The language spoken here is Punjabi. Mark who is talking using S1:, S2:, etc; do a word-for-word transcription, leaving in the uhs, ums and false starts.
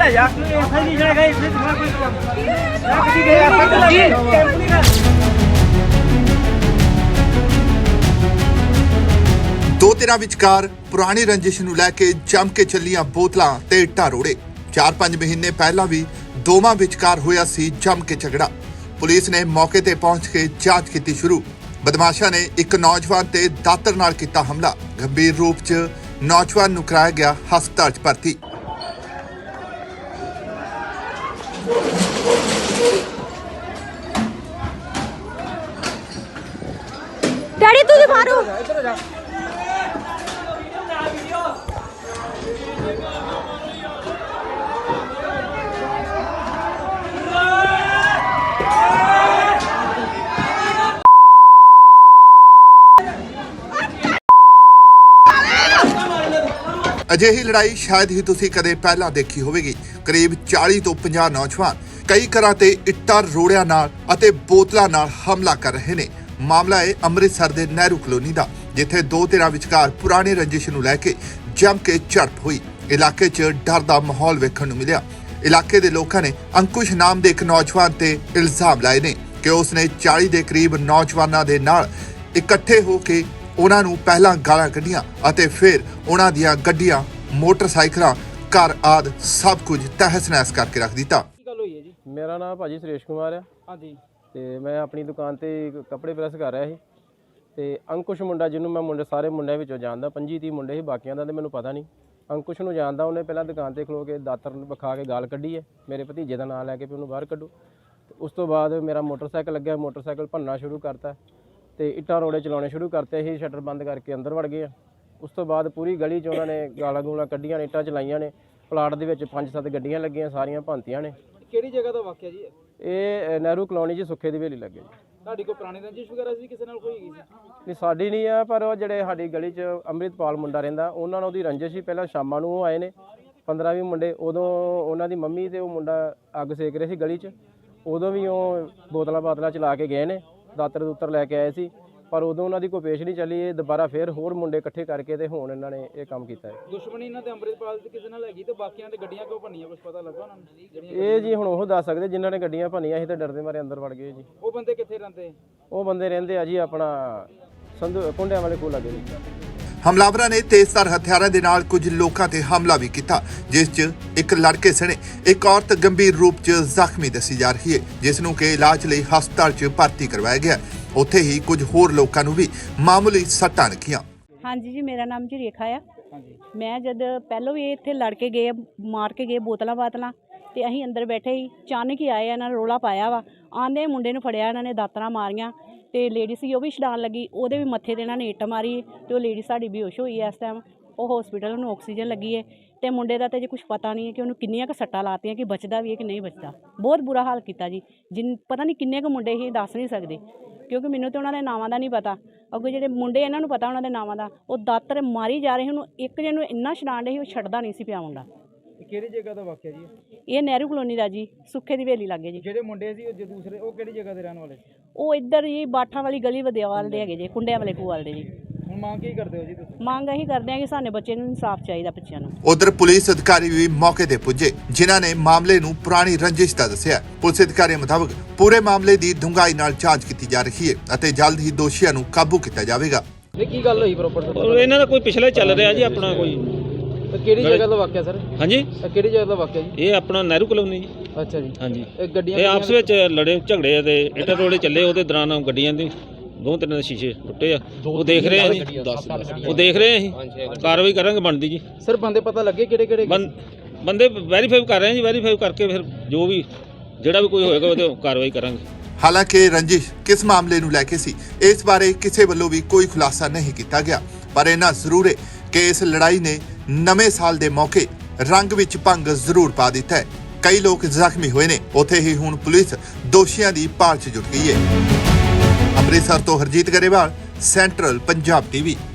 S1: ਲੈ ਜਾ ਐਸਾ ਨਹੀਂ ਜਾਏਗਾ ਇੱਥੇ तुम्हारा कोई मैं किसी गया कैंप नहीं कर
S2: ਦੋ ਧਿਰਾਂ ਵਿਚਕਾਰ ਪੁਰਾਣੀ ਰੰਜਿਸ਼ ਨੂੰ ਲੈ ਕੇ ਜੰਮ ਕੇ ਚੱਲੀਆਂ ਬੋਤਲਾਂ ਤੇ ਇੱਟਾਂ ਰੋੜੇ। ਚਾਰ ਪੰਜ ਮਹੀਨੇ ਪਹਿਲਾਂ ਵੀ ਦੋਵਾਂ ਵਿਚਕਾਰ ਹੋਇਆ ਸੀ ਜੰਮ ਕੇ ਝਗੜਾ। ਪੁਲਿਸ ਨੇ ਮੌਕੇ ਤੇ ਪਹੁੰਚ ਕੇ ਜਾਂਚ ਕੀਤੀ ਸ਼ੁਰੂ। ਬਦਮਾਸ਼ਾਂ ਨੇ ਇੱਕ ਨੌਜਵਾਨ ਤੇ ਦਾਤਰ ਨਾਲ ਕੀਤਾ ਹਮਲਾ। ਗੰਭੀਰ ਰੂਪ 'ਚ ਨੌਜਵਾਨ ਨੂੰ ਕਰਾਇਆ ਗਿਆ ਹਸਪਤਾਲ 'ਚ ਭਰਤੀ।
S3: डैडी तुझे मारो
S2: ਅਜਿਹੀ ਲੜਾਈ ਸ਼ਾਇਦ ਹੀ ਤੁਸੀਂ ਕਦੇ ਪਹਿਲਾਂ ਦੇਖੀ ਹੋਵੇਗੀ। ਕਰੀਬ ਚਾਲੀ ਤੋਂ ਪੰਜਾਹ ਨੌਜਵਾਨ ਕਈ ਘਰਾਂ ਤੇ ਇੱਟਾਂ ਰੋੜਿਆਂ ਨਾਲ ਅਤੇ ਬੋਤਲਾਂ ਨਾਲ ਹਮਲਾ ਕਰ ਰਹੇ ਨੇ। ਮਾਮਲਾ ਹੈ ਅੰਮ੍ਰਿਤਸਰ ਦੇ ਨਹਿਰੂ ਕਲੋਨੀ ਦਾ, ਜਿੱਥੇ ਦੋ ਧਿਰਾਂ ਵਿਚਕਾਰ ਪੁਰਾਣੀ ਰੰਜਿਸ਼ ਨੂੰ ਲੈ ਕੇ ਜੰਮ ਕੇ ਝੜਪ ਹੋਈ। ਇਲਾਕੇ 'ਚ ਡਰ ਦਾ ਮਾਹੌਲ ਵੇਖਣ ਨੂੰ ਮਿਲਿਆ। ਇਲਾਕੇ ਦੇ ਲੋਕਾਂ ਨੇ ਅੰਕੁਸ਼ ਨਾਮ ਦੇ ਇੱਕ ਨੌਜਵਾਨ ਤੇ ਇਲਜ਼ਾਮ ਲਾਏ ਨੇ ਕਿ ਉਸਨੇ ਚਾਲੀ ਦੇ ਕਰੀਬ ਨੌਜਵਾਨਾਂ ਦੇ ਨਾਲ ਇਕੱਠੇ ਹੋ ਕੇ ਉਹਨਾਂ ਨੂੰ ਪਹਿਲਾਂ ਗਾਲਾਂ ਕੱਢੀਆਂ ਅਤੇ ਫਿਰ ਉਹਨਾਂ ਦੀਆਂ ਗੱਡੀਆਂ, ਮੋਟਰਸਾਈਕਲਾਂ, ਘਰ ਆਦਿ ਸਭ ਕੁਝ ਤਹਿਸ-ਨਹਿਸ ਕਰਕੇ ਰੱਖ ਦਿੱਤਾ।
S1: ਕੀ ਗੱਲ ਹੋਈ ਹੈ ਜੀ?
S4: ਮੇਰਾ ਨਾਮ ਭਾਜੀ ਸੁਰੇਸ਼ ਕੁਮਾਰ ਆ
S1: ਹਾਂਜੀ
S4: ਤੇ ਮੈਂ ਆਪਣੀ ਦੁਕਾਨ ਤੇ ਕੱਪੜੇ ਪ੍ਰੈਸ ਕਰ ਰਿਹਾ ਸੀ ਤੇ ਅੰਕੁਸ਼ ਮੁੰਡਾ, ਜਿਹਨੂੰ ਮੈਂ ਮੁੰਡੇ ਸਾਰੇ ਮੁੰਡਿਆਂ ਵਿੱਚੋਂ ਜਾਣਦਾ, ਪੰਜੀ ਤੀਹ ਮੁੰਡੇ ਸੀ, ਬਾਕੀਆਂ ਦਾ ਤੇ ਮੈਨੂੰ ਪਤਾ ਨਹੀਂ। ਅੰਕੁਸ਼ ਨੂੰ ਜਾਣਦਾ। ਉਹਨੇ ਪਹਿਲਾਂ ਦੁਕਾਨ ਤੇ ਖਲੋ ਕੇ ਦਾਤਰ ਵਿਖਾ ਕੇ ਗਾਲ ਕੱਢੀ ਹੈ ਮੇਰੇ ਭਤੀਜੇ ਦਾ ਨਾਂ ਲੈ ਕੇ ਵੀ ਉਹਨੂੰ ਬਾਹਰ ਕੱਢੋ। ਉਸ ਤੋਂ ਬਾਅਦ ਮੇਰਾ ਮੋਟਰਸਾਈਕਲ ਲੱਗਿਆ, ਮੋਟਰਸਾਈਕਲ ਭੰਨਣਾ ਸ਼ੁਰੂ ਕਰਤਾ ਤੇ ਇੱਟਾਂ ਰੋੜੇ ਚਲਾਉਣੇ ਸ਼ੁਰੂ ਕਰਤੇ। ਅਸੀਂ ਸ਼ਟਰ ਬੰਦ ਕਰਕੇ ਅੰਦਰ ਵੜ ਗਏ ਆ। ਉਸ ਤੋਂ ਬਾਅਦ ਪੂਰੀ ਗਲੀ 'ਚ ਉਹਨਾਂ ਨੇ ਗਾਲਾਂ ਗੂਲਾਂ ਕੱਢੀਆਂ ਨੇ, ਇੱਟਾਂ ਚਲਾਈਆਂ ਨੇ। ਪਲਾਟ ਦੇ ਵਿੱਚ ਪੰਜ ਸੱਤ ਗੱਡੀਆਂ ਲੱਗੀਆਂ, ਸਾਰੀਆਂ ਭੰਨਤੀਆਂ ਨੇ।
S1: ਕਿਹੜੀ ਜਗ੍ਹਾ ਦਾ ਵਾਕਿਆ ਜੀ?
S4: ਇਹ ਨਹਿਰੂ ਕਲੋਨੀ 'ਚ ਸੁੱਖੇ ਦੀ ਹਵੇਲੀ ਲੱਗੇ ਜੀ।
S1: ਤੁਹਾਡੀ ਕੋਈ ਪੁਰਾਣੀ ਰੰਜਿਸ਼ ਵਗੈਰਾ ਸੀ ਕਿਸੇ ਨਾਲ ਕੋਈ ਹੈਗੀ ਸੀ?
S4: ਨਹੀਂ, ਸਾਡੀ ਨਹੀਂ ਆ, ਪਰ ਉਹ ਜਿਹੜੇ ਸਾਡੀ ਗਲੀ 'ਚ ਅੰਮ੍ਰਿਤਪਾਲ ਮੁੰਡਾ ਰਹਿੰਦਾ, ਉਹਨਾਂ ਨਾਲ ਉਹਦੀ ਰੰਜਿਸ਼ ਸੀ। ਪਹਿਲਾਂ ਸ਼ਾਮਾਂ ਨੂੰ ਉਹ ਆਏ ਨੇ ਪੰਦਰਾਂ ਵੀਹ ਮੁੰਡੇ। ਉਦੋਂ ਉਹਨਾਂ ਦੀ ਮੰਮੀ ਤੇ ਉਹ ਮੁੰਡਾ ਅੱਗ ਸੇਕ ਰਹੇ ਸੀ ਗਲੀ 'ਚ। ਉਦੋਂ ਵੀ ਉਹ ਬੋਤਲਾਂ ਬਾਤਲਾਂ ਚਲਾ ਕੇ ਗਏ ਨੇ, ਦਾਤਰ ਦੂਤਰ ਲੈ ਕੇ ਆਏ ਸੀ, ਪਰ ਉਦੋਂ ਉਹਨਾਂ ਦੀ ਕੋਈ ਪੇਸ਼ ਨਹੀਂ ਚੱਲੀ। ਇਹ ਦੁਬਾਰਾ ਫਿਰ ਹੋਰ ਮੁੰਡੇ ਇਕੱਠੇ ਕਰਕੇ ਤੇ ਹੁਣ ਇਹਨਾਂ ਨੇ ਇਹ ਕੰਮ ਕੀਤਾ ਹੈ।
S1: ਦੁਸ਼ਮਣੀ ਇਹਨਾਂ ਤੇ ਅੰਮ੍ਰਿਤਪਾਲ ਦੀ ਕਿਸੇ ਨਾਲ ਹੈਗੀ ਤੇ ਬਾਕੀਆਂ ਦੇ ਗੱਡੀਆਂ ਕਿਉਂ ਭੰਨੀਆਂ, ਕੁਝ ਪਤਾ ਲੱਗਾ ਉਹਨਾਂ ਨੂੰ?
S4: ਇਹ ਜੀ ਹੁਣ ਉਹ ਦੱਸ ਸਕਦੇ ਜਿਨ੍ਹਾਂ ਨੇ ਗੱਡੀਆਂ ਭੰਨੀਆਂ ਸੀ ਤੇ ਡਰਦੇ ਮਾਰੇ ਅੰਦਰ ਵੜ ਗਏ ਜੀ।
S1: ਉਹ ਬੰਦੇ ਕਿੱਥੇ ਰਹਿੰਦੇ?
S4: ਉਹ ਬੰਦੇ ਰਹਿੰਦੇ ਆ ਜੀ ਆਪਣਾ ਸੰਧੂ ਕੁੰਡਿਆਂ ਵਾਲੇ ਕੋਲ ਲੱਗੇ ਜੀ।
S2: ਹਮਲਾਵਰਾਂ ਨੇ ਤੇਜ਼ਧਾਰ ਹਥਿਆਰਾਂ ਦੇ ਨਾਲ ਕੁਝ ਲੋਕਾਂ ਤੇ ਹਮਲਾ ਵੀ ਕੀਤਾ, ਜਿਸ 'ਚ ਇੱਕ ਲੜਕੇ ਸਣੇ ਇੱਕ ਔਰਤ ਗੰਭੀਰ ਰੂਪ 'ਚ ਜ਼ਖਮੀ ਦੱਸੀ ਜਾ ਰਹੀ ਹੈ, ਜਿਸ ਨੂੰ ਕਿ ਇਲਾਜ ਲਈ ਹਸਪਤਾਲ 'ਚ ਭਰਤੀ ਕਰਵਾਇਆ ਗਿਆ। ਉੱਥੇ ਹੀ ਕੁਝ ਹੋਰ ਲੋਕਾਂ ਨੂੰ ਵੀ ਮਾਮੂਲੀ ਸੱਟਾਂ ਲੱਗੀਆਂ।
S3: ਹਾਂਜੀ ਜੀ, ਮੇਰਾ ਨਾਮ ਜੀ ਰੇਖਾ ਆ।
S1: ਹਾਂਜੀ
S3: ਮੈਂ ਜਦ ਪਹਿਲੋਂ ਵੀ ਇੱਥੇ ਲੜ ਕੇ ਗਏ, ਮਾਰ ਕੇ ਗਏ ਬੋਤਲਾਂ ਬਾਤਲਾਂ, ਤੇ ਅਸੀਂ ਅੰਦਰ ਬੈਠੇ ਹੀ ਅਚਾਨਕ ਹੀ ਆਏ, ਇਹਨਾਂ ਨੇ ਰੋਲਾ ਪਾਇਆ ਵਾ। ਆਂਦੇ ਮੁੰਡੇ ਨੂੰ ਫੜਿਆ, ਇਹਨਾਂ ਨੇ ਦਾਤਰਾਂ ਮਾਰੀਆਂ ਤੇ ਲੇਡੀ ਸੀ ਉਹ ਵੀ ਛਡਾਣ ਲੱਗੀ, ਉਹਦੇ ਵੀ ਮੱਥੇ ਤੇ ਇਹਨਾਂ ਨੇ ਇੱਟ ਮਾਰੀ ਤੇ ਉਹ ਲੇਡੀ ਸਾਡੀ ਬੇਹੋਸ਼ ਹੋਈ ਹੈ ਇਸ ਟਾਈਮ। ਉਹ ਹਸਪੀਟਲ ਨੂੰ ਆਕਸੀਜਨ ਲੱਗੀ ਹੈ ਤੇ ਮੁੰਡੇ ਦਾ ਤਾਂ ਜੇ ਕੁਝ ਪਤਾ ਨਹੀਂ ਹੈ ਕਿ ਉਹਨੂੰ ਕਿੰਨੀਆਂ ਕੁ ਸੱਟਾਂ ਲਾਤੀਆਂ, ਕਿ ਬਚਦਾ ਵੀ ਹੈ ਕਿ ਨਹੀਂ ਬਚਦਾ। ਬਹੁਤ ਬੁਰਾ ਹਾਲ ਕੀਤਾ ਜੀ। ਜਿਨ ਪਤਾ ਨਹੀਂ ਕਿੰਨੇ ਕੁ ਮੁੰਡੇ ਹੀ ਦੱਸ ਨਹੀਂ ਸਕਦੇ, ਕਿਉਂਕਿ ਮੈਨੂੰ ਤਾਂ ਉਹਨਾਂ ਦੇ ਨਾਵਾਂ ਦਾ ਨਹੀਂ ਪਤਾ। ਅੱਗੇ ਜਿਹੜੇ ਮੁੰਡੇ ਇਹਨਾਂ ਨੂੰ ਪਤਾ ਉਹਨਾਂ ਦੇ ਨਾਵਾਂ ਦਾ। ਉਹ ਦਾਤਰ ਮਾਰੀ ਜਾ ਰਹੇ, ਉਹਨੂੰ ਇੱਕ ਜਣ ਨੂੰ ਇੰਨਾ ਛਡਾਣ ਰਹੇ ਸੀ, ਉਹ ਛੱਡਦਾ ਨਹੀਂ ਸੀ ਪਿਆ ਮੁੰਡਾ।
S1: ਕਿਹੜੀ ਜਗ੍ਹਾ ਦਾ ਵਾਕਿਆ ਜੀ?
S3: ਇਹ ਨਹਿਰੂ ਕਲੋਨੀ ਦਾ ਜੀ, ਸੁੱਖੇ ਦੀ ਹਵੇਲੀ ਲੱਗੇ ਜੀ।
S1: ਜਿਹੜੇ ਮੁੰਡੇ ਸੀ ਉਹ ਜੇ ਦੂਸਰੇ, ਉਹ ਕਿਹੜੀ ਜਗ੍ਹਾ ਦੇ ਰਹਿਣ ਵਾਲੇ ਸੀ?
S3: ਉਹ ਇੱਧਰ ਜੀ ਬਾਠਾਂ ਵਾਲੀ ਗਲੀ ਵਦਿਆਵਾਲ ਦੇ ਹੈਗੇ ਜੀ, ਕੁੰਡਿਆਂ ਵਾਲੇ ਖੂਵਾਲ ਦੇ ਜੀ।
S1: ਹੁਣ ਮੰਗ ਕੀ ਕਰਦੇ ਹੋ ਜੀ ਤੁਸੀਂ?
S3: ਮੰਗ ਇਹੀ ਕਰਦੇ ਆ ਕਿ ਸਾਡੇ ਬੱਚੇ ਨੂੰ ਇਨਸਾਫ ਚਾਹੀਦਾ, ਬੱਚਿਆਂ ਨੂੰ।
S2: ਉਧਰ ਪੁਲਿਸ ਅਧਿਕਾਰੀ ਵੀ ਮੌਕੇ ਤੇ ਪੁੱਜੇ, ਜਿਨ੍ਹਾਂ ਨੇ ਮਾਮਲੇ ਨੂੰ ਪੁਰਾਣੀ ਰੰਜਿਸ਼ ਦਾ ਦੱਸਿਆ। ਪੁਲਿਸ ਅਧਿਕਾਰੀਆਂ ਮੁਤਾਬਕ ਪੂਰੇ ਮਾਮਲੇ ਦੀ ਡੂੰਘਾਈ ਨਾਲ ਜਾਂਚ ਕੀਤੀ ਜਾ ਰਹੀ ਹੈ ਅਤੇ ਜਲਦ ਹੀ ਦੋਸ਼ੀਆਂ ਨੂੰ ਕਾਬੂ ਕੀਤਾ ਜਾਵੇਗਾ।
S1: ਇਹ ਕੀ ਗੱਲ ਹੋਈ ਪ੍ਰੋਪਰ?
S5: ਇਹਨਾਂ ਦਾ ਕੋਈ ਪਿਛਲਾ ਚੱਲ ਰਿਹਾ ਜੀ ਆਪਣਾ ਕੋਈ।
S1: ਕਿਹੜੀ ਜਗ੍ਹਾ ਦਾ ਵਾਕਿਆ ਸਰ?
S5: ਹਾਂਜੀ,
S1: ਇਹ ਕਿਹੜੀ ਜਗ੍ਹਾ ਦਾ ਵਾਕਿਆ ਜੀ?
S5: ਇਹ ਆਪਣਾ ਨਹਿਰੂ ਕਲੋਨੀ ਜੀ।
S1: ਅੱਛਾ ਜੀ।
S5: ਹਾਂਜੀ,
S1: ਇਹ ਗੱਡੀਆਂ
S5: ਇਹ ਆਪਸ ਵਿੱਚ ਲੜੇ ਝਗੜੇ ਤੇ ਇੱਟ ਰੋੜੇ ਚੱਲੇ। ਉਹਦੇ ਦੌਰਾਨ ਗੱਡੀਆਂ ਦੇ ਦੋ ਤਿੰਨ ਦੇ ਸ਼ੀਸ਼ੇ ਟੁੱਟੇ ਆ। ਉਹ ਦੇਖ ਰਹੇ ਆ ਜੀ, ਉਹ ਦੇਖ ਰਹੇ ਆ ਅਸੀਂ ਕਾਰਵਾਈ ਕਰਾਂਗੇ ਬਣਦੀ ਜੀ।
S1: ਸਰ ਬੰਦੇ ਪਤਾ ਲੱਗੇ ਕਿਹੜੇ ਕਿਹੜੇ?
S5: ਬੰਦੇ ਵੈਰੀਫਾਈ ਕਰ ਰਹੇ ਆ ਜੀ। ਵੈਰੀਫਾਈ ਕਰਕੇ ਫਿਰ ਜੋ ਵੀ ਜਿਹੜਾ ਵੀ ਕੋਈ ਹੋਏਗਾ ਉਹਦੇ ਕਾਰਵਾਈ ਕਰਾਂਗੇ।
S2: ਹਾਲਾਂਕਿ ਰੰਜਿਸ਼ ਕਿਸ ਮਾਮਲੇ ਨੂੰ ਲੈ ਕੇ ਸੀ, ਇਸ ਬਾਰੇ ਕਿਸੇ ਵੱਲੋਂ ਵੀ ਕੋਈ ਖੁਲਾਸਾ ਨਹੀਂ ਕੀਤਾ ਗਿਆ, ਪਰ ਇਹਨਾਂ ਜ਼ਰੂਰ ਹੈ ਕਿ ਇਸ ਲੜਾਈ ਨੇ ਨਵੇਂ ਸਾਲ ਦੇ ਮੌਕੇ ਰੰਗ ਵਿੱਚ ਭੰਗ ਜ਼ਰੂਰ ਪਾ ਦਿੱਤਾ ਹੈ। ਕਈ ਲੋਕ ਜ਼ਖਮੀ ਹੋਏ ਨੇ। ਉੱਥੇ ਹੀ ਹੁਣ ਪੁਲਿਸ ਦੋਸ਼ੀਆਂ ਦੀ ਭਾਲ 'ਚ ਜੁਟ ਗਈ ਹੈ। ਅੰਮ੍ਰਿਤਸਰ ਤੋਂ ਹਰਜੀਤ ਗਰੇਵਾਲ, ਸੈਂਟਰਲ ਪੰਜਾਬ ਟੀਵੀ।